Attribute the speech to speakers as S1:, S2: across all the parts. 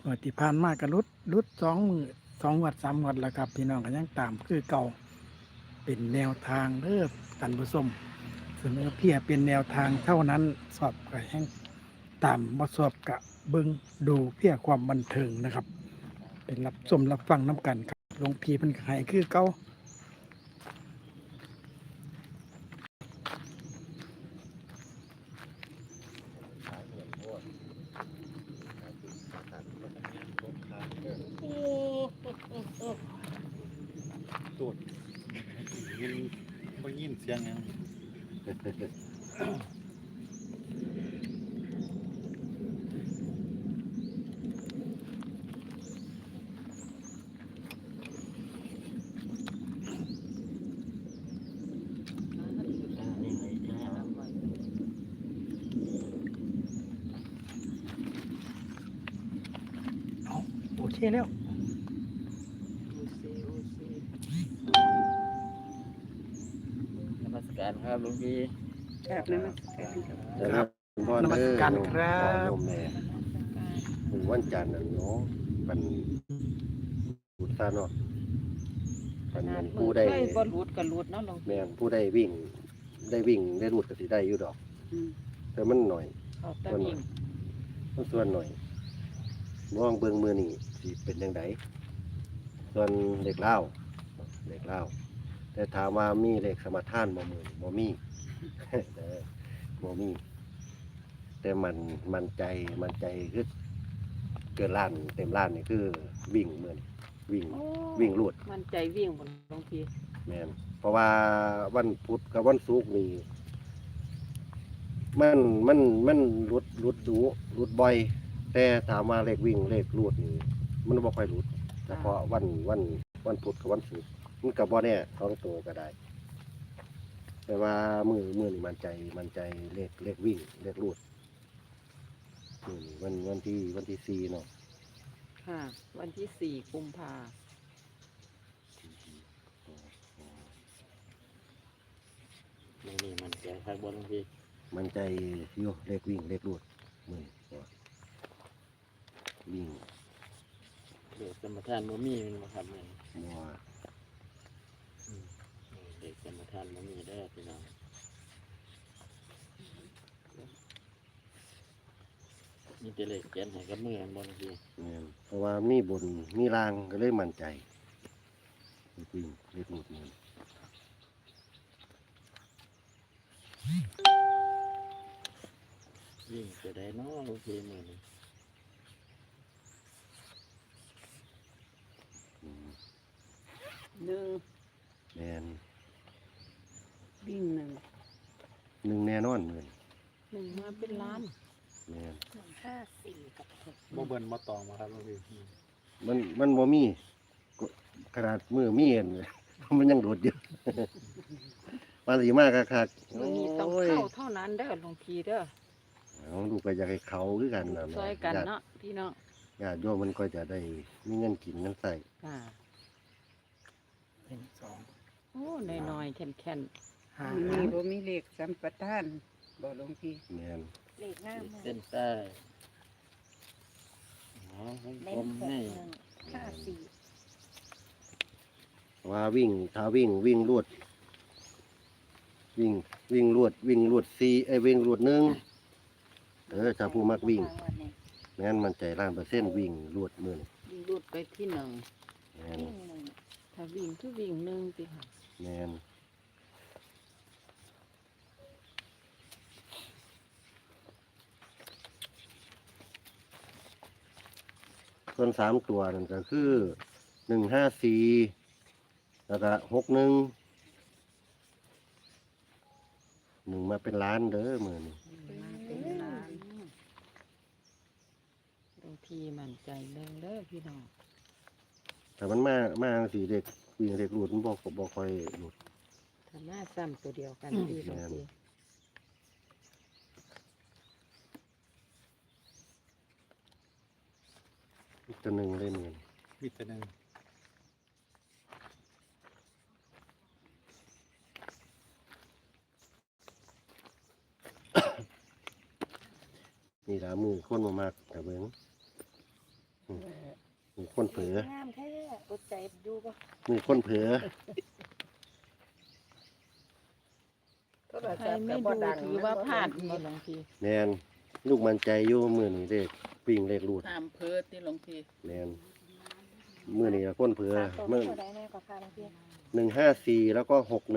S1: งวดที่ผ่านมาก็รุด2 งวด 3 งวดแล้วครับพี่น้องก็ยังตามคือเก่าเป็นแนวทางเด้อท่านผู้ชมเสนอเพียงเป็นแนวทางเท่านั้นสอบก็แห่งตามบ่สอบกะเบิ่งดูเพียงความบันเทิงนะครับ เป็นรับชมรับฟังน้ำกันครับหลวงพี่เพิ่นก็ให้คือเก่า
S2: ตูดยินบ่ยินเสียงหยัง
S1: เอาโอเคแล้ว
S3: นมัสการครับหลวงพี่
S4: กราบนมัสการครับ
S1: ครับนมัสการครับ
S5: โยมแม่ถึงวันจันทร์น่ะเนาะมันพูดซะเนาะมันแม่นผู้ได้
S4: เคยบ่รูดก็รูดเนาะหลวง
S5: แม่นผู้ได้วิ่งได้รูดก็สิได้อยู่ดอก
S4: อืม
S5: แต่มันหน่อย
S4: เขาตะวิ่ง
S5: มันส่วนหน่อยมองเบิ่งมือนี่สิเป็นจังไดส่วนเด็กเล่าวแต่ถามว่ามีเลขสมทานบ่มือนี่บ่มี เด้อบ่มี แต่มันใจคือเกินล้านเต็มล้านนี่คือวิ่งเหมือนวิ่งรูด
S4: มันใจวิ่งบนหลวงพี่
S5: แม่นเพราะว่าวันพุธกับวันศุกร์นี่มันรุดดูรุดบ่อย แต่ถามว่าเลขวิ่งเลขรูดนี่มันบ่ค่อยรุดเฉพาะวันพุธกับวันศุกร์มันก็บ่แน่ท้องโตก็ได้ แต่ว่ามือนี่มันใจเลขวิ่งเลขรูดนี่วันที่4เนาะ
S4: ค่ะ วันที่4 กุมภา
S3: นี่มันแก่ครับบ่หลวงพี่
S5: มันใจอยู่เลขวิ่งเลขรูดมือวิ่ง
S3: เด็กสมทานบ่มีแมันบ่ครับเนี่ย
S5: มัว
S3: เด็กสมทานบ่มีเด้อพี่น้องมีแต่เลขเขียนให้กับมือกันบ่หลวงพี่
S5: เนี่ยเพราะว่ามีบนมีรางก็เลยมั่นใจเลขวิ่งเลขรูดมัน
S3: วิ่งจะได้เนาะหลวงพี่มื้อนี้
S4: หนึ่ง
S5: แมน
S4: วิ่งหนึ่ง
S5: หนึ่งแน่นอนเลย
S4: หนึ่งมาเป็นล้าน
S5: แมน
S4: 5 4 กับ
S2: บ่เบิ่นบ่ตองมาครับหลวงพี่
S5: มันบ่มีก็ขนาดมือมีเห็นเลย มันยังโดดอยู่ มาสีมากคักๆ
S4: มือนี้ต้องเข้าเท่านั้นเด้อหลวงพี่เด้อ
S5: เอาลูกก็อยากให้เขาคือกันนะ
S4: ช่วยกันเนาะพี่น้อง
S5: ญาติโยมมันก็จะได้มีเงินกินเงินใส่
S4: ค่ะ
S1: 1 2
S4: โอ้น้อยๆแข็ง
S1: 5
S6: มีบ่มีเลขสัมปทานบ่หลวงพี่
S5: แมน
S4: ๆเลขหน้ามือ
S3: เส้นใต้อ๋อผมให้
S5: ว่าวิ่งถ้าวิ่งรวดวิ่งรวดวิ่งรวดหนึ่งถ้าผู้มักวิ่งงั้นมันใจ1,000,000วิ่งรวดมือนี่
S4: วิ่งรูดไปที่หนึ่ง
S5: แมน
S4: ถ้าวิ่งคือวิ่งหนึ่งสิค่ะ
S5: แมนส่วน3 ตัวนั่นก็คือ154แล้วก็61มาเป็นล้านเด้อมือนี่
S4: มาเป็นล้านหลวงพี่มั่นใจเรื่องเด้อพี่น้อง
S5: แต่มันมาสีเด็กวิ่งเด็กหลุดมันบอกค่อยหลุด
S4: ถ้ามาซ้ำตัวเดียวกันพี่หลวงพี่
S5: อีกตัวหนึ่งเลยมือนี่
S2: มีแต่หนึง
S5: นี่ละมือคนมามากแต่เบิ้งมีคนเผลอ
S4: งามแท้อดใจอยู่บ่
S5: มีคนเผลอ
S6: โทร
S4: ใคร
S6: ศัพท์
S4: ไม่
S6: ก็
S4: ดู
S6: บ่ดัง
S4: ถือว่าพลาดบ่หลวงพี่
S5: แมนลูกมันใจอยู่มื้อนี้เลขวิ่งเลขรูด
S7: ตามเพิดที่หลวงพี่
S5: แมนมื้อนี้ก็คนเผลอ
S4: เมื่
S5: มื้
S4: อ
S5: อ
S4: ได้แน่กว่าค่ะหลวงพี่
S5: 154แล้วก็61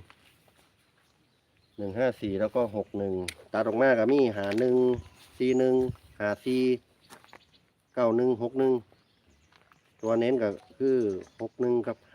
S5: 154แล้วก็61ตัดออกมาก็มี5141 54 91 61ตัวเน้นก็คือ61กับ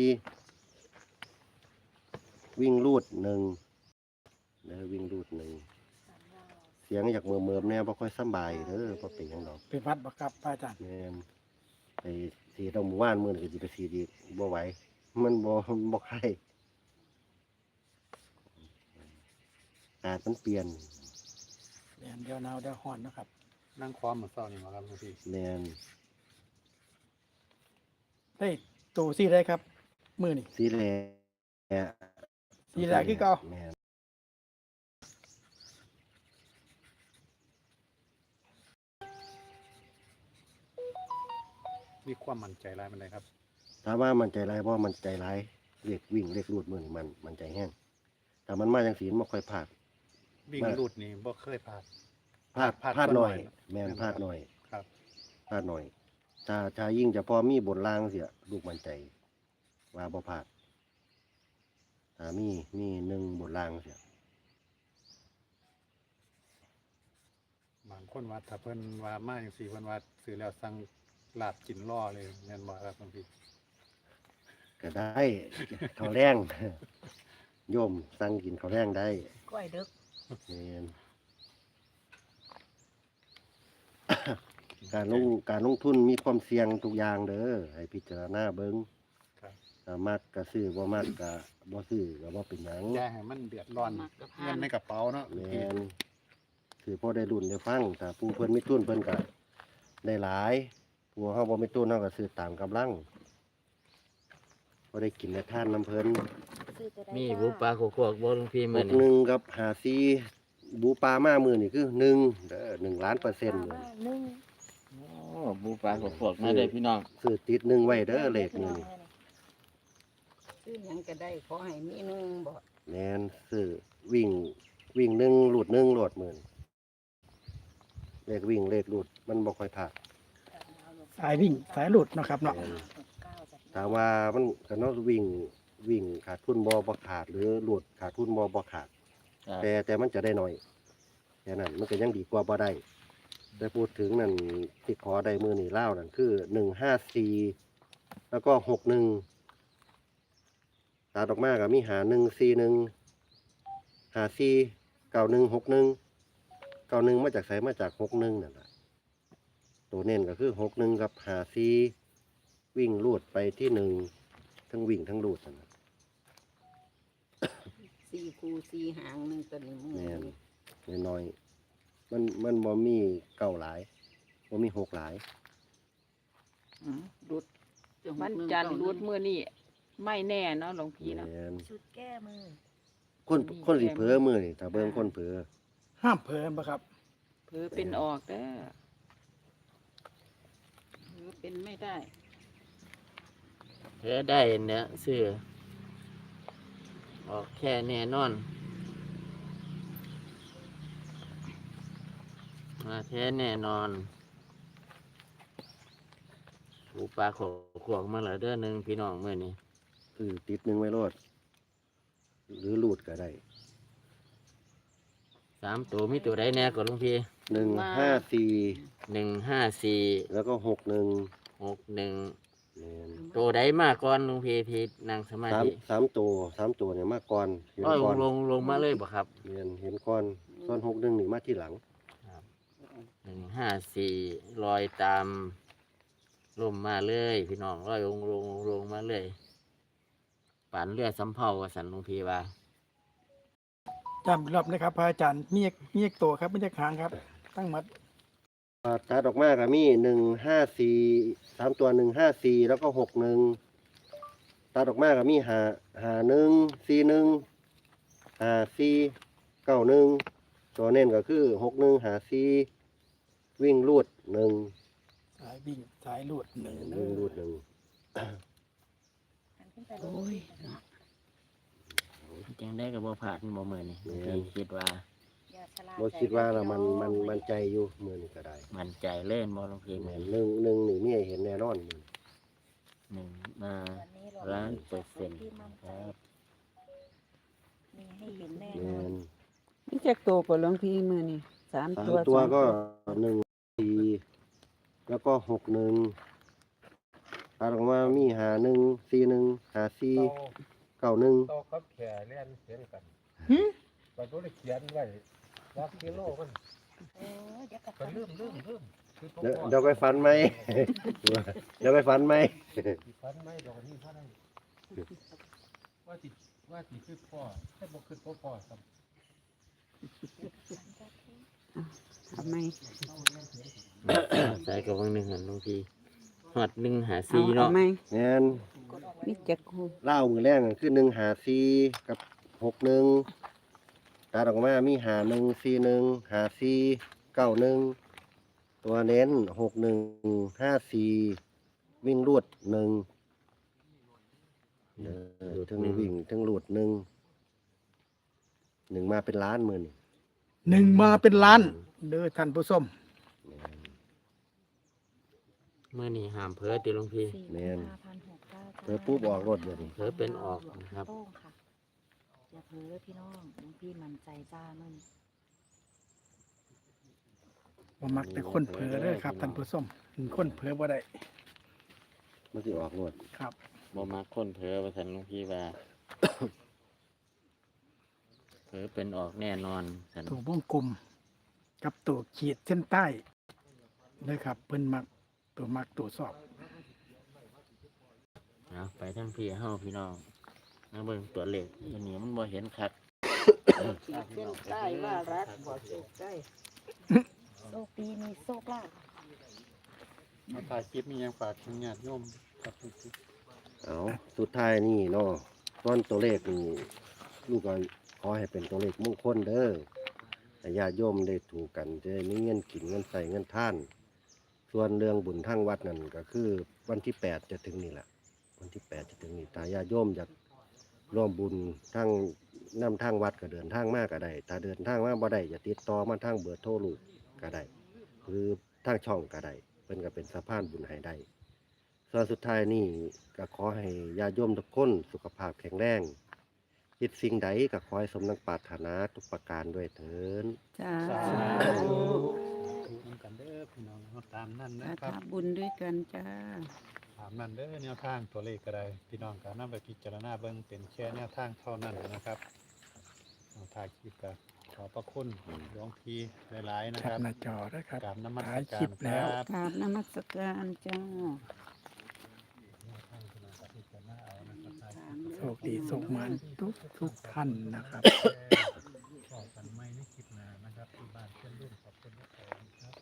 S5: 54วิ่งรูด1แล้ววิ่งรูด1เสียงอยากเมิมๆแน่บ่ค่อยสำบายเด้อบ่เป็นหยังดอก
S1: เป็นวัดบ่ครับพระอาจารย์
S5: แม่นไปสีตรงหมู่บ้านมื้อนี้ก็สิไปสีดีบ่ไหวมันบ่ไข้อากาศมันเปลี่ยน
S1: เดี๋ยวหนาวเดี๋ยวร้อนเนาะครับ
S2: นั่งความเหมือนเศร้านี่มาครับหลวงพี่
S5: แม่น
S1: ได้โตซี่ได้ครับมื้อนี้
S5: สีแล
S1: สีแลคือเก่า
S5: แม่น
S2: มีความมั่นใจร้ายมันเลยครับ
S5: ถามว่ามันใจร้ายบ่มันใจร้ายเรียกวิ่งเรียกรูดมื้อนี้มันใจแห้งแต่มันมาจังซี่มันบ่ค่อยพลาด
S2: วิ่งรูดนี่บ่เคยพลาด
S5: พลาดหน่อย แม่น
S2: แม่น
S5: พลาดหน่อย
S2: ครับ
S5: พลาดหน่อยถ้ายิ่งจะพอมีบนล่างเสียลูกมันใจว่าบ่พลาดถ้ามี1บนล่างเสีย
S2: บางคนว่าถ้าเพิ่นว่ามาจังซี่เพิ่นว่าซื้อแล้วสั่งลาบกินล่อเลยแม่นบ่ครับหลวงพี่
S5: ก็ได้ ข้าวแรง โยมสั่งกินข้าวแรงได้
S6: ก้อยดึก
S5: แม่น การลงทุนมีความเสี่ยงทุกอย่างเด้อให้พิจารณาเบิ่ง
S2: ครับ
S5: ถ้ามักก็ซื้อบ่มักก็บ่ซื้อก็บ่เป็นหยัง
S2: อย่าให้มันเดือดร้อนเงินในกระเป๋าเนาะหลวง
S5: แม่
S2: พี่
S5: นคือพอได้รุ่นได้ฟังถ้าผู้เพิ่นมีทุนเพิ่นก็ได้หลายผู้เฮาบ่มีทุนเฮาก็ซื้อตามกำลังบ่ได้กินได้ทานน้ำเพิ่น
S3: มีบุปลาโคกๆบ่หลวงพี่มื้อนี้
S5: 61กับ54บูปลามามื้อนี่คือ1เด้อ1ล้านเปอร์เซ็นต์เลย
S3: โอ้บุปลาโคกๆมาเด้อพี่น้อง
S5: ซื้อติด1ไว้เด้อเลขนี้นี่
S6: ซื้อหยังก็ได้ขอให้มีหนึงบ่
S5: แม่นซื้อวิ่ง1หลุด1โหลดมื้อนี้เลขวิ่งเลขหลุดมันบ่ค่อยพลาด
S1: สายวิ่งสายหลุดเนาะครับเนาะ
S5: แม่นถามว่ามันก็เนาะวิ่งขาดทุนบ่ขาดหรือหลุดขาดทุนบ่ขาด
S3: ครับ
S5: แต่มันจะได้น้อยแค่นั้นมันก็ยังดีกว่าบ่ได้แต่พูดถึงนั่นที่ขอได้มือนี่เล่าวนั่นคือ154แล้วก็61ตาดออกมาก็มี5141 54 91 61 91มาจากไสมาจาก61นั่นล่ะตัวเน้นก็คือ61กับ54วิ่งลูดไปที่1ทั้งวิ่งทั้งลูดนั่นน่ะ
S6: 4คู่4หางหนึงตัวนี้มือ
S5: แม่นน้อยๆมันบ่มีเก้าหลายบ่มีหกหลาย
S4: รุดวันจันทร์รุดมื้อนี้ไม่แน่เนาะหลวงพี่เนาะ
S5: แม่น
S4: ชุดแก้มือ
S5: คนสิเผลอมื้อนี่ถ้าเบิ่งคนเผลอ
S1: ห้ามเผลอบ่ครับ
S4: เผือเป็นออกเด้อเผือเป็นไม่ได้
S3: เพื่อได้เนี่ยซื้อออกแค่แน่นอนมาแท้แน่นอนบุปลาโขกๆมาแล้วเด้อหนึงพี่น้องมื้อนี้
S5: คือติดหนึ่งไว้โลดหรือลูดก็ได้
S3: 3ตัวมีตัวใดแน่ก่อนหลวงพี่
S5: 154
S3: 154
S5: แล้วก็61
S3: 61
S5: แม่น
S3: ตัวใดมาก่อนหลวงพี่ที่นั่งสมาธิ
S5: สามตัวเนี่ยมาก่อนเห็น
S3: อ้อย
S5: ก่อน
S3: ลงมาเลยบ่ครับ
S5: แม่นเห็นก่อนส่วน61นี่มาที่หลัง
S3: 154ลอยตามลมมาเลยพี่น้องลอยลงมาเลยป่านเรือสำเภากับสันหลวงพี่ว่า
S1: จำอีกรอบนะครับพระอาจารย์มีอีกตัวครับไม่ใช่ค้างครับ ตั้งมัด
S5: ตัดออกมาก็มี154 3ตัว154แล้วก็61ตัดออกมาก็มี51 41 54 91ตัวเน้นก็คือ61 54วิ่งลูด1
S1: สายวิ่งรูดหนึ่ง
S5: หนึ่งรูดหนึ่ง
S6: โอ้ย
S3: จังได้กับบ่ผ่านบ่มื้อนี้หลวงพี่คิดว่า
S5: บ่คิดว่าละมันใจอยู่มือนี่ก็ได้
S3: มั่นใจเล่นบ่หลวงพี่
S5: แม่
S3: มื้อน
S5: หนึ่งนี่มีให้เห็นแน่นอนมื้อ
S3: หนึ่งมา1,000,000%ครับ
S7: มีให้เห็นแน่
S5: แม่
S7: นอน
S5: น
S6: นี่จักตัวก็หลวงพี่มื้อนี่3
S5: สาม
S6: ตัว
S5: ตัว
S6: สอง
S5: ก็1 4แล้วก็61ตัดออกมามี51 41 54 91
S2: โตครับแขเล่นเขียนกันก็บ่ได้เขียนไว้ว่ากิโลมัน
S7: เออเดี๋ยวกลับ
S2: ก็ลืมคือ
S5: เดี๋ยวไปฟันไหม เดี๋ยวไปฟันไหม
S2: ฟันไม่ดอกนี้เท่านั้นว่าสิคือพ่อให้บ่คือพ่อครับ
S6: ทำไม
S3: ใส่กับวังหนึงหั่นหลวงพี่ฮอด154
S6: เอา
S3: เนาะ
S6: ไหม
S5: แม่น
S6: มีจักคู
S5: เหล้ามือแรกนั่นคือ154กับ61ตัดออกมามี51 41 54 91ตัวเน้น61 54วิ่งรวด1ถึงวิ่งถึงรูด1มาเป็นล้านมื้อนี่
S1: หนึ่งมาเป็นล้านเด้อท่านผู้ชม
S3: มื้อนี้ห้ามเผลอติหลวงพี่
S5: แม่น
S7: 4,569
S5: เธอปุ๊บออกรถเดี๋ยวนี้
S3: เผลอเป็นออกนะครับ
S7: โต้งค่ะอย่าเผลอพี่น้องน้องพี่มั่นใจจ้ามัน
S1: บ่มักแต่คนเผลอเด้อครับท่านผู้ชมคนเผลอบ่ได้
S5: มันสิออกรถ
S1: ครับ
S3: บ่มักคนเผลอว่าซั่นหลวงพี่ว่า เผลอเป็นออกแน่นอนซั่น
S1: ตัววงกลมกับตัวขีดเส้นใต้เลยครับเพิ่นมักตัวสอบ
S3: เอาไปทั้งพี่เฮาพี่น้องมาเบิ่งตัวเลขอันนี้มันบ่เห็นคัก
S6: เส้นใต้ว่ารักบ่สุขใต้
S7: โชคดีมีโชคลาภ
S2: มาถ่ายคลิปมีหยังฝากถึงญาติโยมครับ
S5: เอาสุดท้ายนี่เนาะตอนตัวเลขนี่ลูกก็ขอให้เป็นตัวเลขมงคลเด้อให้ญาติโยมได้ถูกกันจะได้มีเงินกินเงินใส่เงินท่าน ส่วนเรื่องบุญทางวัดนั่นก็คือวันที่8จะถึงนี่แหละวันที่8จะถึงนี่ถ้าญาติโยมอยากร่วมบุญทางนำทางวัดก็เดินทางมาก็ได้ถ้าเดินทางมาบ่ได้จะติดต่อมาทางเบอร์โทรลูกก็ได้หรือทางช่องก็ได้เพิ่นก็เป็นสะพานบุญให้ได้ส่วนสุดท้ายนี่ก็ขอให้ญาติโยมทุกคนสุขภาพแข็งแรงคิดสิ่งใดก็ขอให้สมดังปรารถนาทุกประการด้วยเถิด
S6: จ้า
S2: ถูกนำกันเด้อพี่น้องเอาตามนั่น
S6: สา
S2: นะครับ
S6: ธุบุญด้วยกันจ้า
S2: ตามนั่นเด้อแนวทางตัวเลขก็ได้พี่น้องก็นำไปพิจารณาเบิ่งเป็นแค่แนวทางเท่านั้นนะครับเอาถ่ายคลิปก็ขอบพระคุณหลวงพี่หลายๆนะ
S1: แค
S2: ค
S1: ป
S2: รับ
S1: หน้าจอนะครับ
S2: กราบนมัส
S1: ถ่าย
S2: กา
S1: คลิ
S2: ร
S1: ป
S2: ค
S1: แล้ว
S2: รับ
S6: กราบนมัสการจ้า
S1: โชคดีสุขมันทุกท่านนะครับ
S2: ขอบกันไม่ในคลิปหน้านะครับที่บ้านเพื่อนรุ่นขอบคุณทุกคนครับ